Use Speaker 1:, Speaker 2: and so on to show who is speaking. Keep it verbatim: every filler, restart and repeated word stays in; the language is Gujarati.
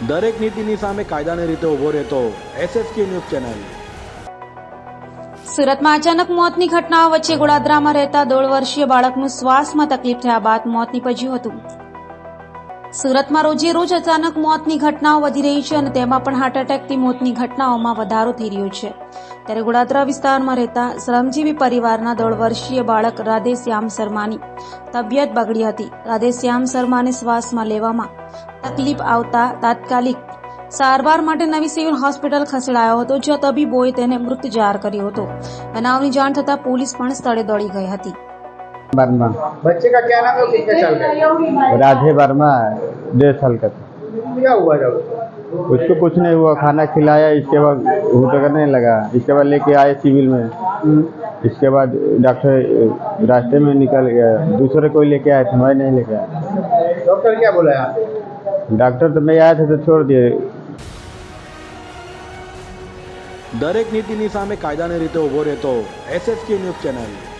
Speaker 1: દરેક નીતિની સામે કાયદાની રીતે ઉભો રહેતો એસએસકે ન્યૂઝ ચેનલ।
Speaker 2: સુરતમાં અચાનક મોતની ઘટનાઓ વચ્ચે ગોળાદરામાં રહેતા દોઢ વર્ષીય બાળકનું શ્વાસમાં તકલીફ થયા બાદ મોત નીપજ્યું હતું। સુરતમાં રોજે રોજ અચાનક મોતની ઘટનાઓ વધી રહી છે અને તેમાં પણ હાર્ટ એટેકથી મોતની ઘટનાઓમાં વધારો થઈ રહ્યો છે। ત્યારે ગોળાદરા વિસ્તારમાં રહેતા શ્રમજીવી પરિવારના દોઢ વર્ષીય બાળક રાધેશ્યામ શર્માની તબિયત બગડી હતી। રાધેશ્યામ શર્માને શ્વાસમાં લેવામાં તકલીફ આવતા તાત્કાલિક સારવાર માટે નવી સિવિલ હોસ્પિટલ ખસેડાયો હતો, જ્યાં તબીબોએ તેને મૃત જાહેર કર્યો હતો। બનાવની જાણ થતાં પોલીસ પણ સ્થળે દોડી ગઈ હતી।
Speaker 3: वर्मा।
Speaker 4: बच्चे का क्या नाम है, कितने साल का है?
Speaker 3: राधे वर्मा, डेढ़ साल का था।
Speaker 4: क्या हुआ जब?
Speaker 3: उसको कुछ नहीं हुआ, खाना खिलाया, इसके बाद घूटा करने लगा, इसके बाद लेके आए सिविल में। इसके बाद डॉक्टर रास्ते में निकल गया, दूसरे कोई लेके आए थे, मैं नहीं लेके आया।
Speaker 4: डॉक्टर क्या बोला है?
Speaker 3: डॉक्टर तो मैं आया था तो छोड़ दिए।
Speaker 1: દરેક નીતિની સામે કાયદાની રીતે ઉભો રહેતો એસએસકે ન્યૂઝ ચેનલ।